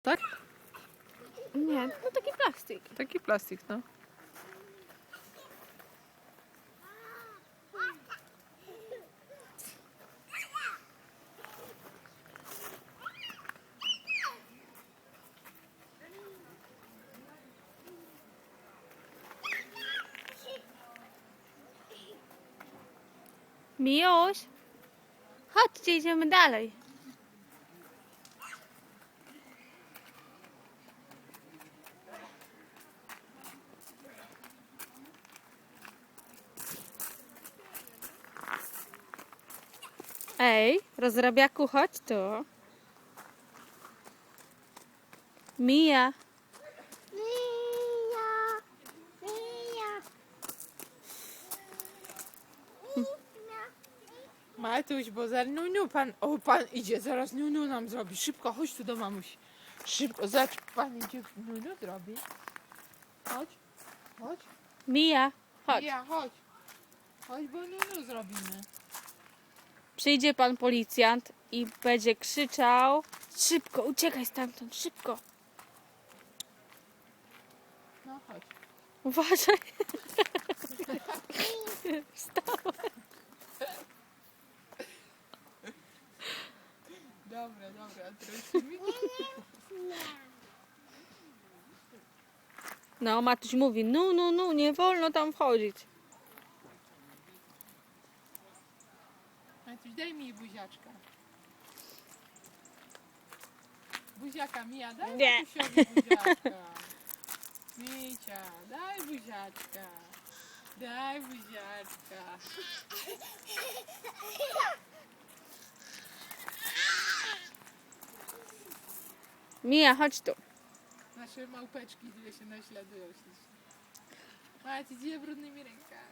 Tak? Nie, no taki plastik. Taki plastik, no. Miłoś, chodźcie, idziemy dalej. Ej, rozrabiaku, chodź tu. Mija. Matuś, bo za Nunu pan idzie, zaraz Nunu nam zrobi. Szybko, chodź tu do mamusi. Szybko, zobacz, pan idzie, Nunu zrobi. Chodź, chodź. Mija, chodź. Ja, chodź. Chodź, bo Nunu zrobimy. Przyjdzie pan policjant i będzie krzyczał: szybko, uciekaj stamtąd, szybko. No chodź. Uważaj. Wstała. Dobra, trosimy. No, Matuś mówi: no, nie wolno tam wchodzić. Matuś, daj mi buziaczka. Buziaka, Mija, daj Nie. Matusiowi buziaczka. Micia, daj buziaczka. Daj buziaczka. Mija, chodź tu. Nasze małpeczki, które się naśladują ślicznie. Mati, idzie brudnymi rękami.